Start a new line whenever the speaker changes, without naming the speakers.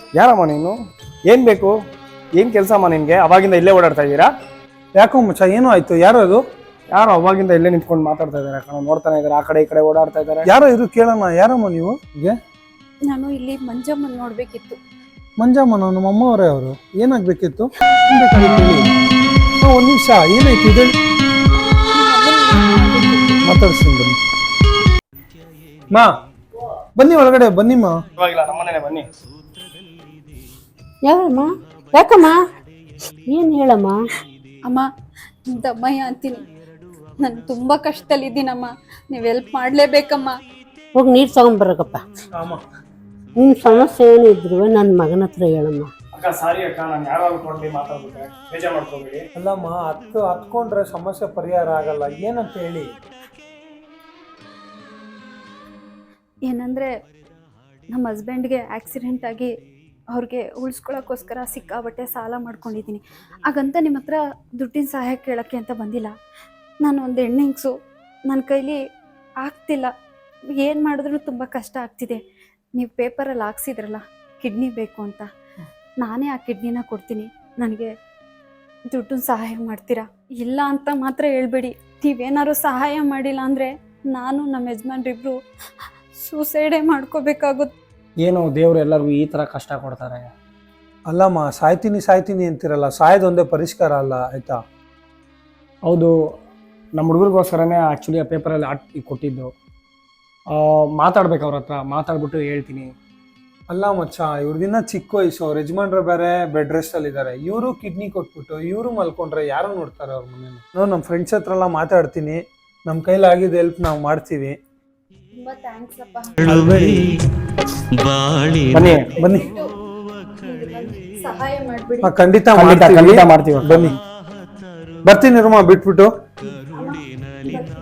ಯಾರಮ್ಮ ನೀನು? ಏನ್ ಬೇಕು? ಏನ್ ಕೆಲಸ ಅಮ್ಮ ನಿನ್ಗೆ? ಅವಾಗಿಂದ ಇಲ್ಲೇ ಓಡಾಡ್ತಾ ಇದ್ದೀರಾ?
ಯಾಕೋ ಮಚ್ಚ ಏನೋ ಆಯ್ತು? ಯಾರು ಅದು?
ಯಾರು ಅವಾಗಿಂದ ಇಲ್ಲೇ ನಿಂತ್ಕೊಂಡು ಮಾತಾಡ್ತಾ ಇದಾರೆ ಕಣ, ನೋಡ್ತಾನೆ ಇದಾರೆ, ಆ ಕಡೆ ಈ ಕಡೆ ಓಡಾಡ್ತಾ ಇದಾರೆ.
ಯಾರೋ ಇದು ಕೇಳೋಣ. ಯಾರಮ್ಮ ನೀವು? ಹೀಗೆ
ನಾನು ಇಲ್ಲಿ ಮಂಜಮ್ಮನ್ ನೋಡ್ಬೇಕಿತ್ತು.
ಮಂಜಮ್ಮ, ನಮ್ಮ ಅಮ್ಮವರೇ ಅವರು. ಏನಾಗ್ಬೇಕಿತ್ತು? ಒಂದು ನಿಮಿಷ, ಏನಾಯ್ತು ಇದೆ? ಮಾತಾಡ್ತೀನಿ ಬನ್ನಿ. ಮಾ ಬನ್ನಿ, ಒಳಗಡೆ ಬನ್ನಿಮ್ಮ.
ಇವಾಗಿಲ್ಲ, ನಮ್ಮನೇನೆ ಬನ್ನಿ.
ಯಾವಮ್ಮ? ಯಾಕಮ್ಮ? ಏನು ಹೇಳಮ್ಮ?
ಅಮ್ಮ, ದಮ್ಮಯ್ಯ ಅಂತೀನಿ. ನಾನು ತುಂಬ ಕಷ್ಟದಲ್ಲಿದ್ದೀನಮ್ಮ, ನೀವು ಹೆಲ್ಪ್ ಮಾಡಲೇಬೇಕಮ್ಮ.
ಹೋಗಿ ನೀರು ತಗೊಂಬರಕಪ್ಪ. ನಿಮ್ಮ ಸಮಸ್ಯೆ ಏನಿದ್ರು ನನ್ನ ಮಗನ ಹತ್ರ ಹೇಳಮ್ಮ.
ಅಕ್ಕ ಸಾರಿ ಅಕ್ಕ, ನಾನು ಯಾರೋ ಅನ್ಕೊಂಡು ಮಾತಾಡ್ಬಿಟ್ಟೆ, ಬೇಜಾರು ಮಾಡ್ಕೋಬೇಡಿ.
ಅಲ್ಲಮ್ಮ, ಹತ್ಕೊಂಡ್ರೆ ಸಮಸ್ಯೆ ಪರಿಹಾರ ಆಗಲ್ಲ. ಏನಂತ ಹೇಳಿ?
ಏನಂದರೆ ನಮ್ಮ ಹಸ್ಬೆಂಡ್ಗೆ ಆಕ್ಸಿಡೆಂಟ್ ಆಗಿ ಅವ್ರಿಗೆ ಉಳಿಸ್ಕೊಳ್ಳೋಕ್ಕೋಸ್ಕರ ಸಿಕ್ಕಾಬಟ್ಟೆ ಸಾಲ ಮಾಡ್ಕೊಂಡಿದ್ದೀನಿ. ಹಾಗಂತ ನಿಮ್ಮ ಹತ್ರ ದುಡ್ಡಿನ ಸಹಾಯ ಕೇಳೋಕ್ಕೆ ಅಂತ ಬಂದಿಲ್ಲ. ನಾನು ಒಂದು ಹೆಣ್ಣಿಂಗ್ಸು, ನನ್ನ ಕೈಲಿ ಆಗ್ತಿಲ್ಲ. ಏನು ಮಾಡಿದ್ರೂ ತುಂಬ ಕಷ್ಟ ಆಗ್ತಿದೆ. ನೀವು ಪೇಪರಲ್ಲಿ ಹಾಕ್ಸಿದ್ರಲ್ಲ ಕಿಡ್ನಿ ಬೇಕು ಅಂತ, ನಾನೇ ಆ ಕಿಡ್ನಿನ ಕೊಡ್ತೀನಿ. ನನಗೆ ದುಡ್ಡನ್ನ ಸಹಾಯ ಮಾಡ್ತೀರಾ? ಇಲ್ಲ ಅಂತ ಮಾತ್ರ ಹೇಳ್ಬೇಡಿ. ನೀವೇನಾದ್ರು ಸಹಾಯ ಮಾಡಿಲ್ಲ ಅಂದರೆ ನಾನು ನಮ್ಮ ಯಜಮಾನ್ರಿಬ್ರು ಸೂಸೈಡೇ ಮಾಡ್ಕೋಬೇಕಾಗುತ್ತೆ.
ಏನು ದೇವ್ರು ಎಲ್ಲರಿಗೂ ಈ ಥರ ಕಷ್ಟ ಕೊಡ್ತಾರೆ?
ಅಲ್ಲಮ್ಮ, ಸಾಯ್ತೀನಿ ಅಂತಿರಲ್ಲ, ಸಾಯೋದೊಂದೇ ಪರಿಷ್ಕಾರ ಅಲ್ಲ, ಆಯ್ತಾ?
ಹೌದು, ನಮ್ಮ ಹುಡುಗರಿಗೋಸ್ಕರನೇ ಆ್ಯಕ್ಚುಲಿ ಆ ಪೇಪರಲ್ಲಿ ಹಾಕಿ ಕೊಟ್ಟಿದ್ದು. ಮಾತಾಡ್ಬೇಕು ಅವ್ರ ಹತ್ರ, ಮಾತಾಡ್ಬಿಟ್ಟು ಹೇಳ್ತೀನಿ.
ಅಲ್ಲ ಮಚ್ಚ, ಇವ್ರದಿನ್ನ ಚಿಕ್ಕ ವಯಸ್ಸು, ಅವ್ರ ಯಜಮಾನ್ರು ಬೇರೆ ಬೆಡ್ ರೆಸ್ಟ್ ಅಲ್ಲಿ ಇದ್ದಾರೆ. ಇವರು ಕಿಡ್ನಿ ಕೊಟ್ಬಿಟ್ಟು ಇವರು ಮಲ್ಕೊಂಡ್ರೆ ಯಾರು ನೋಡ್ತಾರೆ ಅವ್ರ ಮನೇಲಿ? ನಮ್ಮ ಫ್ರೆಂಡ್ಸ್ ಹತ್ರ ಎಲ್ಲ ಮಾತಾಡ್ತೀನಿ. ನಮ್ಮ ಕೈಲಾಗಿದ್ದು ಹೆಲ್ಪ್ ನಾವು ಮಾಡ್ತೀವಿ.
ತುಂಬ ಥ್ಯಾಂಕ್ಸ್ ಅಪ್ಪ.
ಬನ್ನಿ
ಬನ್ನಿ.
ಸಹಾಯ ಮಾಡಿಬಿಡಿ.
ಖಂಡಿತ
ಖಂಡಿತ ಮಾಡ್ತೀವಿ.
ಬನ್ನಿ, ಬರ್ತೀನಿ ರೂಮ ಬಿಟ್ಬಿಟ್ಟು.
ಅಮ್ಮ,